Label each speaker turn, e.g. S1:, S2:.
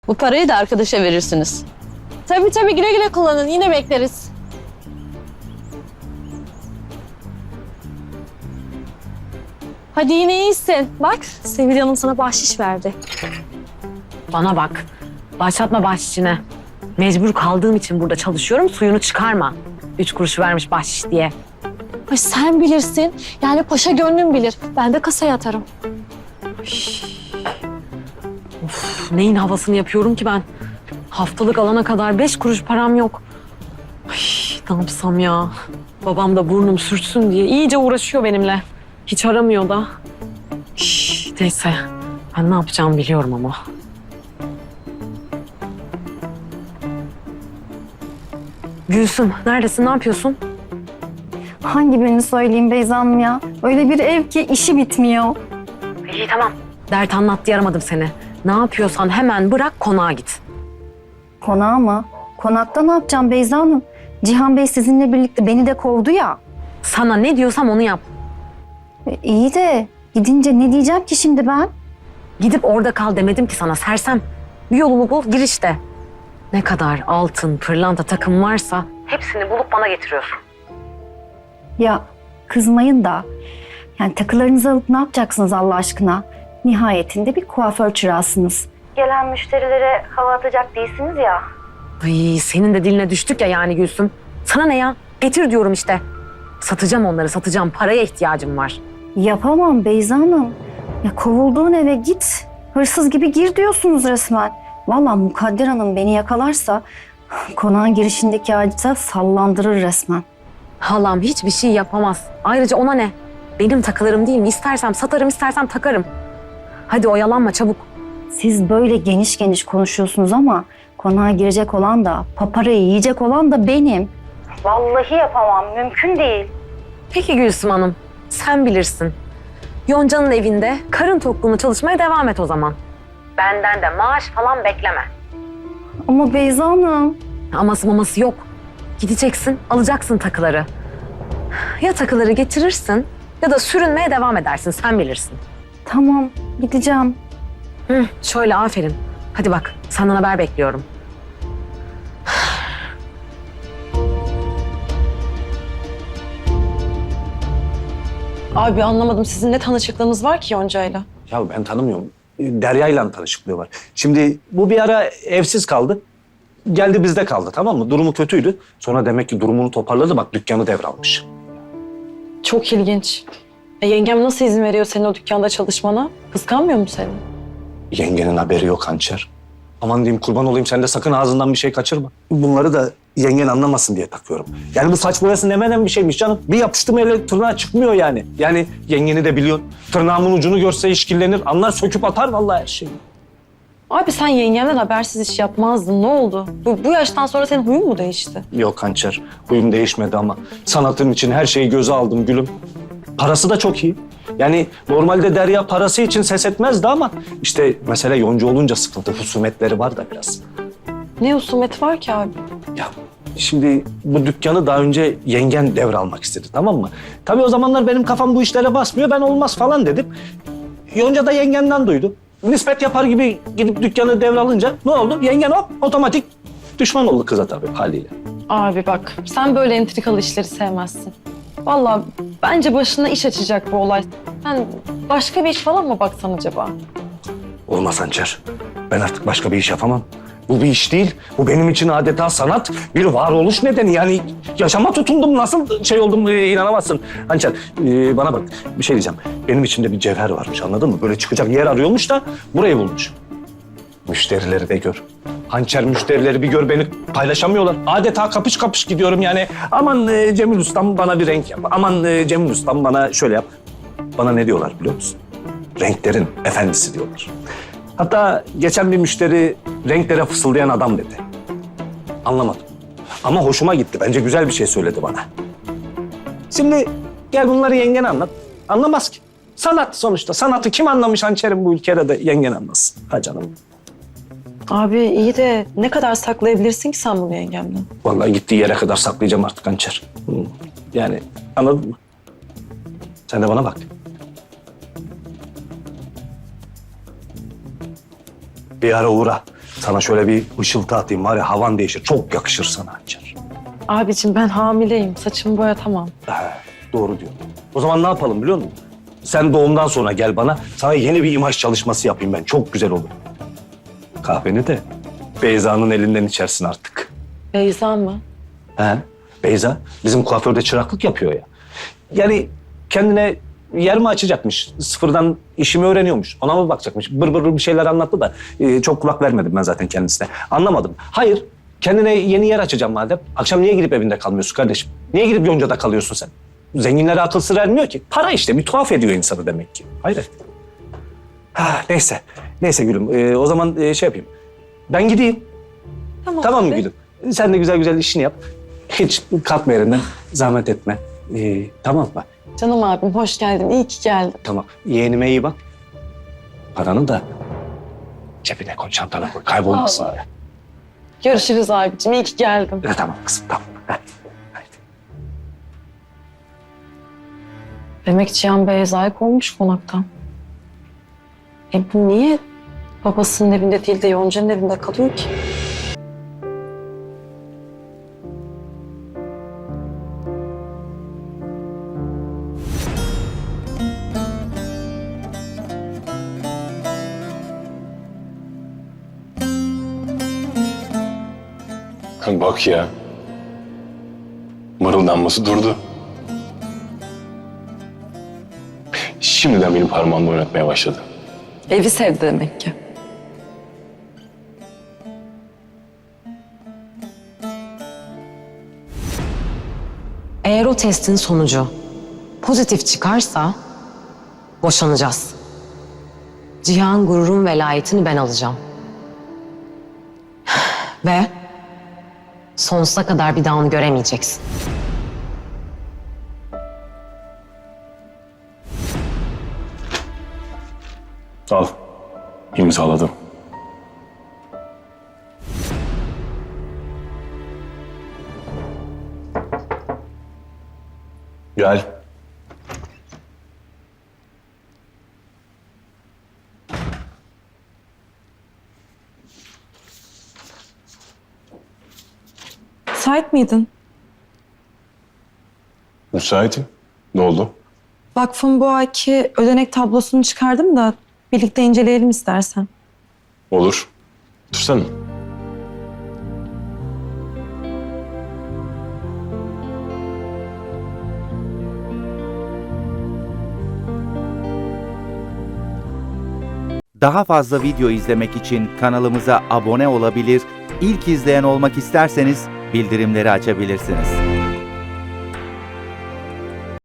S1: Bu parayı da arkadaşa verirsiniz.
S2: Tabii güle güle kullanın. Yine bekleriz. Hadi yine iyisin. Bak Sevil Hanım sana bahşiş verdi.
S3: Bana bak. Başlatma bahşişine. Mecbur kaldığım için burada çalışıyorum. Suyunu çıkarma. 3 kuruş vermiş bahşiş diye.
S2: Ay sen bilirsin. Yani paşa gönlün bilir. Ben de kasaya atarım.
S3: Of, neyin havasını yapıyorum ki ben? Haftalık alana kadar 5 kuruş param yok. Ay, ne yapsam ya? Babam da burnum sürtsün diye iyice uğraşıyor benimle. Hiç aramıyor da. Neyse. Ben ne yapacağımı biliyorum ama. Gülsüm, neredesin? Ne yapıyorsun?
S4: Hangi birini söyleyeyim Beyza Hanım ya? Öyle bir ev ki işi bitmiyor.
S3: İyi tamam. Dert anlat diye aramadım seni. Ne yapıyorsan hemen bırak konağa git.
S4: Konağa mı? Konakta ne yapacağım Beyza Hanım? Cihan Bey sizinle birlikte beni de kovdu ya.
S3: Sana ne diyorsam onu yap.
S4: İyi de gidince ne diyeceğim ki şimdi ben?
S3: Gidip orada kal demedim ki sana sersem. Bir yolunu bul gir işte. Ne kadar altın, pırlanta takım varsa hepsini bulup bana getiriyorsun.
S4: Ya kızmayın da. Yani takılarınızı alıp ne yapacaksınız Allah aşkına? Nihayetinde bir kuaför çırağısınız. Gelen müşterilere hava atacak değilsiniz ya.
S3: Ay senin de diline düştük ya yani Gülsüm. Sana ne ya? Getir diyorum işte. Satacağım onları satacağım. Paraya ihtiyacım var.
S4: Yapamam Beyza Hanım. Ya kovulduğun eve git. Hırsız gibi gir diyorsunuz resmen. Vallahi Mukadder Hanım beni yakalarsa konağın girişindeki ağaçta sallandırır resmen.
S3: Halam hiçbir şey yapamaz. Ayrıca ona ne? Benim takılarım değil mi? İstersem satarım, istersem takarım. Hadi oyalanma çabuk.
S4: Siz böyle geniş geniş konuşuyorsunuz ama konağa girecek olan da, paparayı yiyecek olan da benim. Vallahi yapamam, mümkün değil.
S3: Peki Gülsüm Hanım, sen bilirsin. Yonca'nın evinde karın tokluğunu çalışmaya devam et o zaman. Benden de maaş falan bekleme.
S4: Ama Beyza Hanım.
S3: Aması maması yok. Gideceksin, alacaksın takıları. Ya takıları getirirsin ya da sürünmeye devam edersin, sen bilirsin.
S4: Tamam, gideceğim.
S3: Şöyle aferin. Hadi bak, senden haber bekliyorum.
S1: Abi anlamadım. Sizin ne tanışıklığınız var ki Yonca'yla?
S5: Ya ben tanımıyorum. Derya'yla tanışıklığı var. Şimdi bu bir ara evsiz kaldı. Geldi bizde kaldı, tamam mı? Durumu kötüydü. Sonra demek ki durumunu toparladı, bak dükkanı devralmış.
S1: Çok ilginç. Yengem nasıl izin veriyor senin o dükkanda çalışmana? Kıskanmıyor mu seni?
S5: Yengenin haberi yok hançer. Aman diyeyim, kurban olayım, sen de sakın ağzından bir şey kaçırma. Bunları da yengen anlamasın diye takıyorum. Yani bu saç boyası nemenen bir şeymiş canım. Bir yapıştım ele tırnağı çıkmıyor yani. Yani yengeni de biliyorsun. Tırnağımın ucunu görse işkillenir. Anlar, söküp atar vallahi her şeyi.
S1: Abi sen yengemden habersiz iş yapmazdın. Ne oldu? Bu yaştan sonra senin huyun mu değişti?
S5: Yok hançer, huyum değişmedi ama sanatım için her şeyi göze aldım gülüm. Parası da çok iyi. Yani normalde Derya parası için ses etmezdi ama işte mesele yonca olunca sıkıntı, husumetleri var da biraz.
S1: Ne husumet var ki abi?
S5: Ya şimdi bu dükkanı daha önce yengen devralmak istedi, tamam mı? Tabii o zamanlar benim kafam bu işlere basmıyor, ben olmaz falan dedim. Yonca da yengenden duydu. Nispet yapar gibi gidip dükkanı devralınca ne oldu? Yengen hop otomatik düşman oldu kıza tabii haliyle.
S1: Abi bak sen böyle entrikalı işleri sevmezsin. Vallahi bence başına iş açacak bu olay. Sen başka bir iş falan mı baksan acaba?
S5: Olmaz hançer. Ben artık başka bir iş yapamam. Bu bir iş değil. Bu benim için adeta sanat, bir varoluş nedeni. Yani yaşama tutundum, nasıl şey oldum inanamazsın. Hançer bana bak, bir şey diyeceğim. Benim içimde bir cevher varmış, anladın mı? Böyle çıkacak yer arıyormuş da burayı bulmuş. Müşterileri de gör. Hançer müşterileri bir gör, beni paylaşamıyorlar. Adeta kapış kapış gidiyorum yani. Aman Cemil Ustam bana bir renk yap. Aman Cemil Ustam bana şöyle yap. Bana ne diyorlar biliyor musun? Renklerin efendisi diyorlar. Hatta geçen bir müşteri renklere fısıldayan adam dedi. Anlamadım. Ama hoşuma gitti. Bence güzel bir şey söyledi bana. Şimdi gel bunları yengene anlat. Anlamaz ki. Sanat sonuçta. Sanatı kim anlamış hançerim bu ülkede de yengen anlasın. Ha canım.
S1: Abi iyi de ne kadar saklayabilirsin ki sen bunu yengemden?
S5: Vallahi gittiği yere kadar saklayacağım artık hançer. Yani anladın mı? Sen de bana bak. Bir ara uğra. Sana şöyle bir ışıltı atayım var ya, havan değişir. Çok yakışır sana Hançer.
S1: Abicim ben hamileyim. Saçımı boyatamam.
S5: Doğru diyor. O zaman ne yapalım biliyor musun? Sen doğumdan sonra gel bana. Sana yeni bir imaj çalışması yapayım ben. Çok güzel olur. Kahveni de Beyza'nın elinden içersin artık.
S1: Beyza mı?
S5: He? Beyza bizim kuaförde çıraklık yapıyor ya. Yani kendine yer mi açacakmış? Sıfırdan işimi öğreniyormuş. Ona mı bakacakmış? Bır bır bir şeyler anlattı da çok kulak vermedim ben zaten kendisine. Anlamadım. Hayır. Kendine yeni yer açacağım madem. Akşam niye gidip evinde kalmıyorsun kardeşim? Niye gidip Yonca'da kalıyorsun sen? Zenginlere akıl sır ermiyor ki. Para işte bir tuhaf ediyor insanı demek ki. Hayret. Neyse. Neyse gülüm. O zaman şey yapayım. Ben gideyim. Tamam mı
S1: abi.
S5: gülüm? Sen de güzel güzel işini yap. Hiç kalkma yerinden. Zahmet etme. Tamam mı?
S1: Canım abim hoş geldin. İyi ki geldin.
S5: Tamam. Yeğenime iyi bak. Paranı da cebine koy, çantana koy. Kaybolmasın öyle.
S1: Görüşürüz abicim. İyi ki geldin.
S5: Tamam kızım, tamam. Hadi.
S1: Demek Cihan Beyza'yı kovmuş konaktan. Bu niye babasının evinde değil de Yonca'nın evinde kalıyor ki?
S6: Bak ya. Mırıldanması durdu. Şimdiden benim parmağımda oynatmaya başladı.
S1: Evi sevdi demek ki.
S3: Eğer o testin sonucu pozitif çıkarsa boşanacağız. Cihan gururun velayetini ben alacağım. Ve sonsuza kadar bir daha onu göremeyeceksin.
S6: Al. İmzaladım. Gel.
S1: Müsait miydin?
S6: Müsaitim. Ne oldu?
S1: Vakfın bu ayki ödenek tablosunu çıkardım da birlikte inceleyelim istersen.
S6: Olur. Dursana.
S7: Daha fazla video izlemek için kanalımıza abone olabilir, ilk izleyen olmak isterseniz bildirimleri açabilirsiniz.